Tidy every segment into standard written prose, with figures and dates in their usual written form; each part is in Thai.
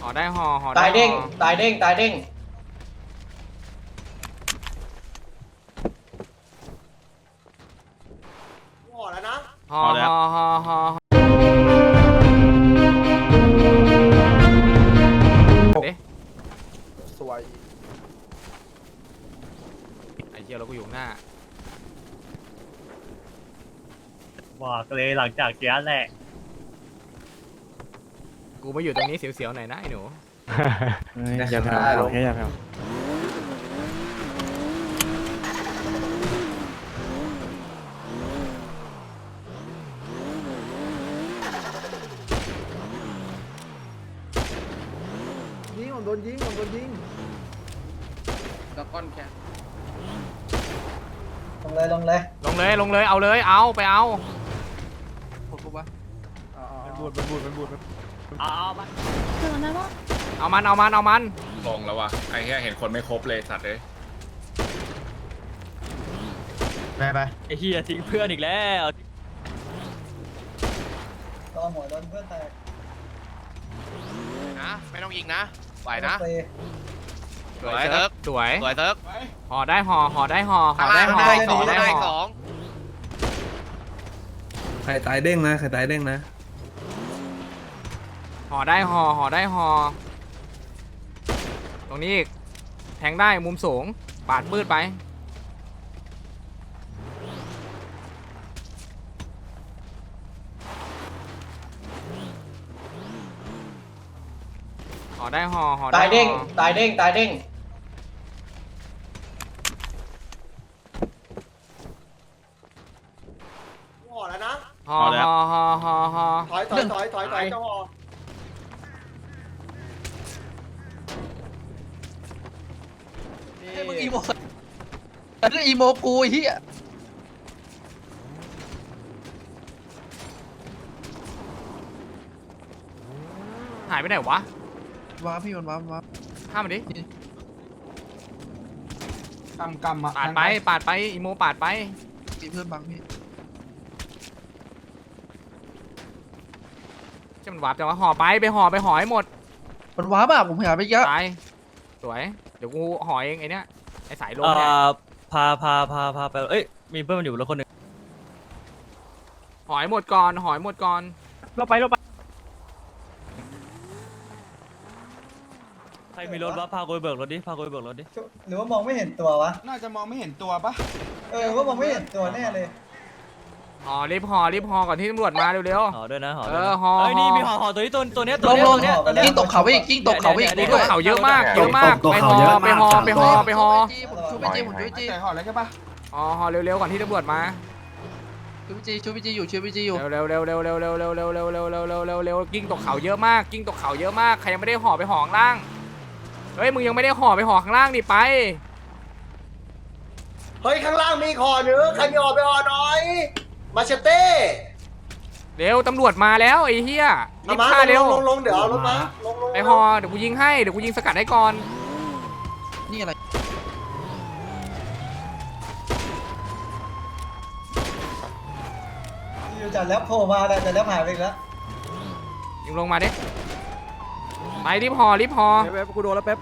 ห่อได้ห่อห่อตายเด้งห่อตายเด้งตายเด้งห่อแล้วนะห่อห่อห่อห่อเด้สวยไอ้เหี้ยเราก็อยู่ข้างหน้าบอกเลยหลังจากเกี้ยแหละกูมาอยู่ตรงนี้เสียวๆหน่อยนะไอ้หนูอย่าแผ่วแค่อย่าแผ่วยิงผมโดนยิงผมโดนยิงแล้วก้อนแค่ลงเลยลงเลยลงเลยลงเลยเอาเลยเอาไปเอาผมปุ๊บวะเอามาถึงแล้วปะเอามันเอามันเอามันลงแล้ววะไอ้แค่เห็นคนไม่ครบเลยสัตว์เลยไปไอ้เฮียทิ้งเพื่อนอีกแล้วต่อหัวโดนเพื่อนแตกนะไม่ต้องยิงนะไหวนะสวยเซิร์ฟสวยสวยเซิร์ฟห่อได้ห่อห่อได้ห่อห่ข้าอง ได้ล่างห่อได้สห่ออง ได้ได้ห่สอองใครตายเด้งนะใครตายเด้งนะห่อได้ห่อห่อได้ห่อตรงนี้อีกแทงได้มุมสูงปาดมืดไปห่อได้ห่อห่อได้ตายเด้งห่อตายเด้งตายเด้งห่อแล้วนะห่อห่อห่อห่อห่อถอยเจ้าห่อให้มึงอีโมเรื่องอีโมกูไอ้เหี้ยหายไปไหนวะว้าพี่มันว้าข้ามมาดิกำอ่ะปาดไปปาดไปอีโมปาดไปมีเพื่อนบังพี่จะมันวาร์ปจังวะห่อไปไปห่อไปห่อให้หมดมันว้าป่ะผมหาไปเยอะตายสวยเดี๋ยวกูห่อเองไอ้เนี้ยไอ้สายลมเอ่เนี่ยอพาไปเอ้ยมีเพื่อนมันอยู่รถคนหนึ่งห่อให้หมดก่อนห่อให้หมดก่อนเราไปใครมีรถวะพากูไปเบิกรถดิพากูไปเบิกรถดิหรือว่ามองไม่เห็นตัววะน่าจะมองไม่เห็นตัวปะว่ามองไม่เห็นตัวแน่เลยห่อรีบห่อรีบห่อก่อนที่ตำรวจมาเร็วห่อด้วยนะห่อเอด้วยอนะห่อเอ้ยนี่ห่อมีห่อตัวนี้ตัวเนี้ยลตัวงเนี้ยลตังวเนี้ยกิ้งตกเขาไปอีกกิ้งตกเขาไปอีกนี่ด้วยเขาเยอะมากเยอะมากไปห่อไปห่อไปห่อไปห่อชูไปจีผมชูไปจีแต่ห่อแล้วใช่ปะห่อเร็วๆก่อนที่ตำรวจมาชูไปจีอยู่ชูไปจีอยู่เร็วกิ้งตกเขาเยอะมากกิ้งตกเขาเยอะมากใครยังไม่ได้ห่อไปห่อข้างล่างเฮ้ยมึงยังไม่ได้ห่อไปห่อข้างล่างดิไปเฮ้ยข้างล่างมีห่อเนื้อใครมีห่อไปห่อหน่อยมาเชเต้เร็วตำรวจมาแล้วไอ้เหี้ยรีเอาบมาฆ่าเร็วลงเดี๋ยวเอารถมาลงไปห่อเดี๋ยวกูยิงให้เดี๋ยวกูยิงสกัดให้ก่อนนี่อะไรอยู่จัดแล้วโผล่มาแต่แล้วหายไปอีกแล้วยิงลงมาดิไปรีบห่อรีบห่อแป๊บกูโดนแล้วแป๊บ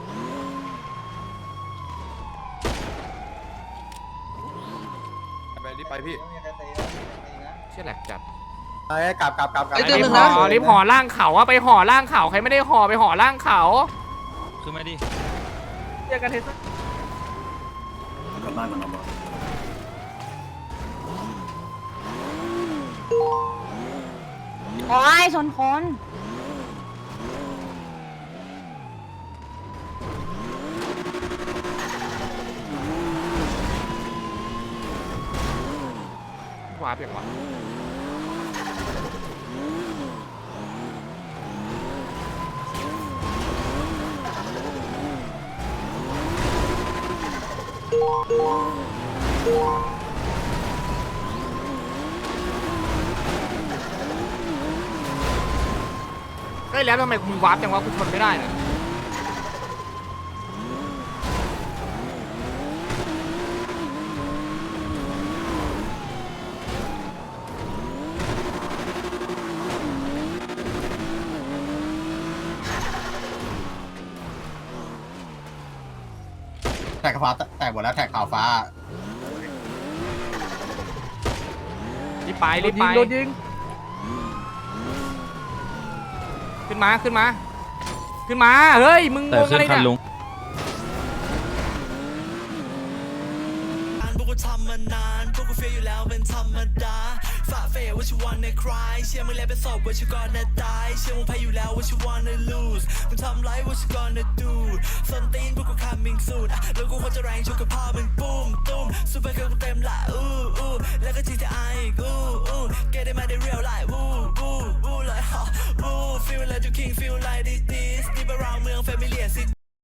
ไปพี่เชี่ยแหลกจัดไอ้กลับไอ้เรื่องรีนึบงห่นะอรีบห่อล่างเขาอะไปห่อล่างเขาใครไม่ได้ห่อไปห่อล่างเขาคือไม่ดิเจอกันเทสโอ้ยชนคนวาร์ปอย่างวะเฮ้ยแล้วทำไมมึงวาร์ปจังวะกูทนไม่ได้เลยแท็กฟ้าแตกหมดแล้วแท็กขาวฟ้ารีบไปรีบไปโดนยิงขึ้นมาขึ้นมาขึ้นมาเฮ้ยมึงงงอะไรเนี่ยพวกกูทำมานานพวกกูเฟียอยู่แล้วเป็นธรรมดาฝ่าเฟยว่าชิวันในคลายเชื่อมึงแล้วเป็นศพว่าชิวก่อนนะตายเชื่อมึงแพ้อยู่แล้วว่าชิวันใน lose มึงทำไรว่าชิก่อนนะ do ส้นตีนพวกกู coming soon แล้วกูควรจะแรงชกกับพ่อมึงปุ้มตุ้มซูเปอร์เกิร์ลกูเต็มละอู้แล้วก็ GTI อีกอู้ get it มาได้